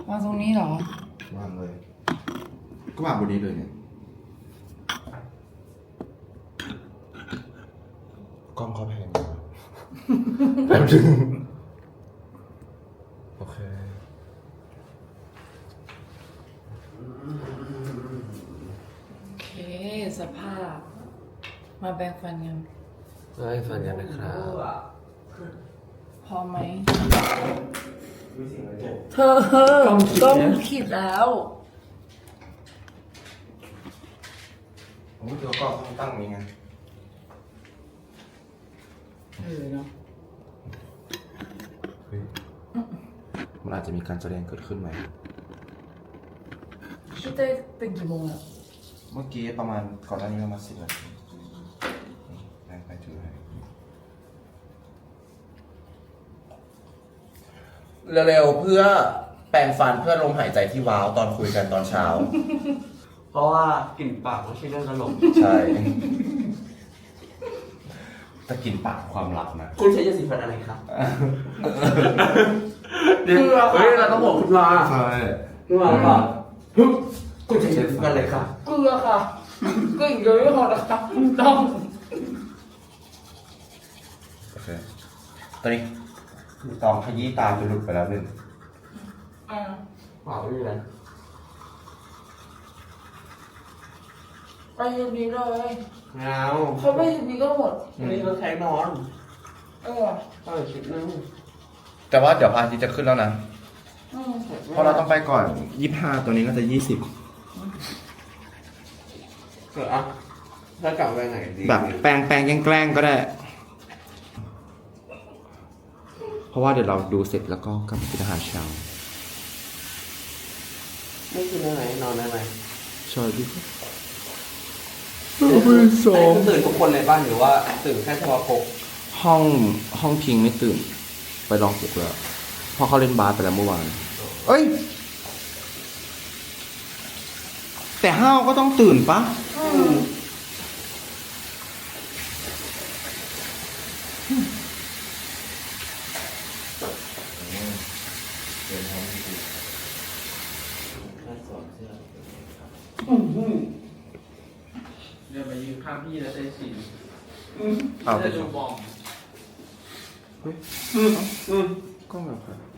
วางตรงนี้เหรอวางเลยก็วางบนนี้เลยเนี่ยกล้องเขาแพงแป๊บนึงโอเคโอเคสภาพมาแบ่งฟันกันให้ฟังกันนะครับพอไหมเธอต้องขีดแล้วผมก็กล้องตั้งอย่างนี้ไงเนาะเฮ้ยมันอาจจะมีการแสดงเกิดขึ้นไหมพี่เต้ตื่นกี่โมงอะเมื่อกี้ประมาณก่อนหน้านี้ประมาณ10 นาทีไปถือให้เร็วๆเพื่อแปรงฟันเพื่อลมหายใจที่ว้าวตอนคุยกันตอนเช้าเพราะว่ากลิ่นปากไม่ใช่เรื่องตลกใช่ตะกินปากความลับนะคุณใช้ยาสีฟันอะไรครับเกลือเฮ้ยเราต้องบอกคุณมาใช่คุณมาป่ะคุณใช้ยาสีฟันอะไรครับเกลือค่ะเกลืออย่างเดียวไม่พอนะคะต้องโอเคตอนนี้ตองขยี้ตาจนหลุดไปแล้วนึงเปล่าไม่มีอะไรไปทีนี้เลยเงาเขาไปทีนี้ก็หมดวันนี้เราใช้นอนเออชุดนึงแต่ว่าเดี๋ยวพระอาทิตย์จะขึ้นแล้วนะอืมเพราะเราต้องไปก่อน25ตัวนี้ก็จะ20 อ่ะถ้ากลับไปไหนดีแบบแปลงแกล้งก็ได้ เพราะว่าเดี๋ยวเราดูเสร็จแล้วก็กลับไปกินอาหารเช้าไม่กินได้ไหมนอนได้ไหมใช่พี่ตื่นทุกคนเลยบ้านหรือว่าตื่นแค่เฉพาะพกห้องพิงไม่ตื่น ไปลองปลุกแล้วเพราะเขาเล่นบาสไปแล้วเมื่อวาน เอ้ย แต่ห้าวก็ต้องตื่นปะเดินไปยืนข้างพี่แล้วใช้ฉีดเอาไปจะดูบอมก็แบบ